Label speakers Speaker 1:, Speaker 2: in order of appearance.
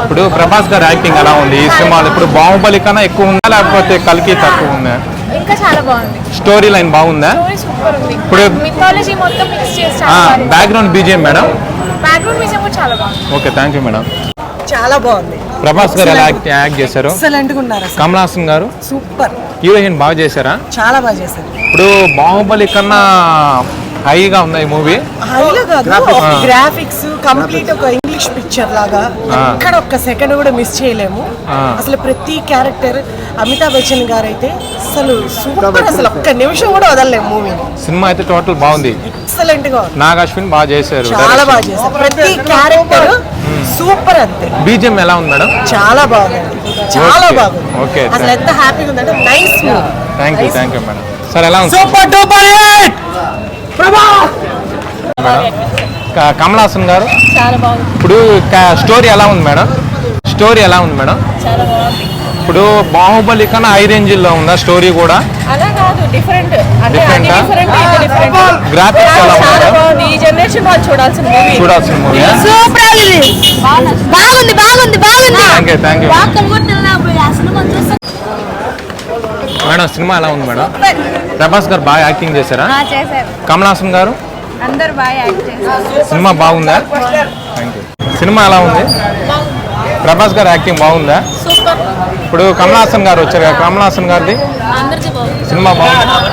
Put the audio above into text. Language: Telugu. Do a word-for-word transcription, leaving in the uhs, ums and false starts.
Speaker 1: ఇప్పుడు ప్రభాస్ గారి యాక్టింగ్ ఎలా ఉంది ఈ సినిమాలో? ఇప్పుడు బాహుబలి కన్నా ఎక్కువ ఉందా లేకపోతే కల్కి తక్కువ ఉందా?
Speaker 2: ఇంకా చాలా బాగుంది.
Speaker 1: స్టోరీ లైన్ బాగుందా?
Speaker 2: స్టోరీ సూపర్ ఉంది.
Speaker 1: ఇప్పుడు
Speaker 2: మిథాలజీ మొత్తం మిక్స్ చేసి చాలా బాగుంది.
Speaker 1: Background BGM madam?
Speaker 2: Background music కూడా చాలా బాగుంది.
Speaker 1: Okay, thank you madam.
Speaker 3: చాలా బాగుంది.
Speaker 1: ప్రభాస్ గారు ఎలా యాక్ట్ చేశారు?
Speaker 3: ఎక్సలెంట్ గా ఉన్నారు.
Speaker 1: కమల్ హాసన్ గారు
Speaker 3: సూపర్.
Speaker 1: హీరోయిన్ బాగా చేశారా?
Speaker 3: చాలా బాగా చేశారు.
Speaker 1: ఇప్పుడు బాహుబలి కన్నా హైగా ఉంది ఈ మూవీ.
Speaker 3: హైలో కాదు, గ్రాఫిక్స్ కంప్లీట్ ఒక ఇంగ్లీష్ పిక్చర్ లాగా ఎక్కడ ఒక్క సెకండ్ కూడా మిస్ చేయలేము. అసలు ప్రతి క్యారెక్టర్ అమితాబ్ బచ్చన్ గారు అయితే అసలు సూపర్. అసలు ఒక్క నిమిషం కూడా వదలలేము మూవీని.
Speaker 1: సినిమా అయితే టోటల్ బాగుంది.
Speaker 3: ఎక్సలెంట్ గా ఉంది.
Speaker 1: నాగ్ అశ్విన్ బాగా చేశారు.
Speaker 3: చాలా బాగా చేశారు. ప్రతి క్యారెక్టర్ సూపర్. అంతే.
Speaker 1: బీజిఎం ఎలా ఉంది మేడం?
Speaker 3: చాలా బాగుంది. చాలా బాగుంది.
Speaker 1: ఓకే,
Speaker 3: అసలు ఎంత హ్యాపీగా ఉందంటే nice movie.
Speaker 1: Thank you thank you madam. Sir ఎలా ఉంది?
Speaker 3: Super duper hit. Prabhas
Speaker 1: madam Kamal Haasan గారు
Speaker 2: చాలా బాగుంది.
Speaker 1: ఇప్పుడు స్టోరీ ఎలా ఉంది మేడం? స్టోరీ ఎలా ఉంది మేడం?
Speaker 2: చాలా బాగుంది.
Speaker 1: ఇప్పుడు బాహుబలి కన్నా హై రేంజ్ లో ఉందా స్టోరీ కూడా?
Speaker 2: అలా కాదు, డిఫరెంట్. అంటే
Speaker 1: Different ఆ?
Speaker 2: Different different.
Speaker 1: గ్రాఫిక్స్ ఎలా
Speaker 2: చాలా
Speaker 1: ఉంది?
Speaker 2: బాగుంది. ఈ జనరేషన్ వాళ్ళు చూడాల్సిన మూవీ.
Speaker 1: చూడాల్సిన మూవీ.
Speaker 2: సూపర్ ఉంది. బాగుంది బాగుంది బాగుంది.
Speaker 1: Thank you thank you madam. Cinema ఎలా ఉంది మేడం? ప్రభాస్ గారు బాగా యాక్టింగ్ చేశారా?
Speaker 2: చేశారు.
Speaker 1: కమల్ హాసన్ గారు
Speaker 2: అందరు బాగా యాక్ట్ చేశారు.
Speaker 1: సినిమా బాగుందా? Thank you. సినిమా ఎలా ఉంది? ప్రభాస్ గారు యాక్టింగ్ బాగుందా?
Speaker 2: సూపర్.
Speaker 1: ఇప్పుడు కమల్ హాసన్ గారు వచ్చారు కదా, కమల్ హాసన్ గారిది
Speaker 2: అందరికీ బాగుంది.
Speaker 1: సినిమా బాగుంది.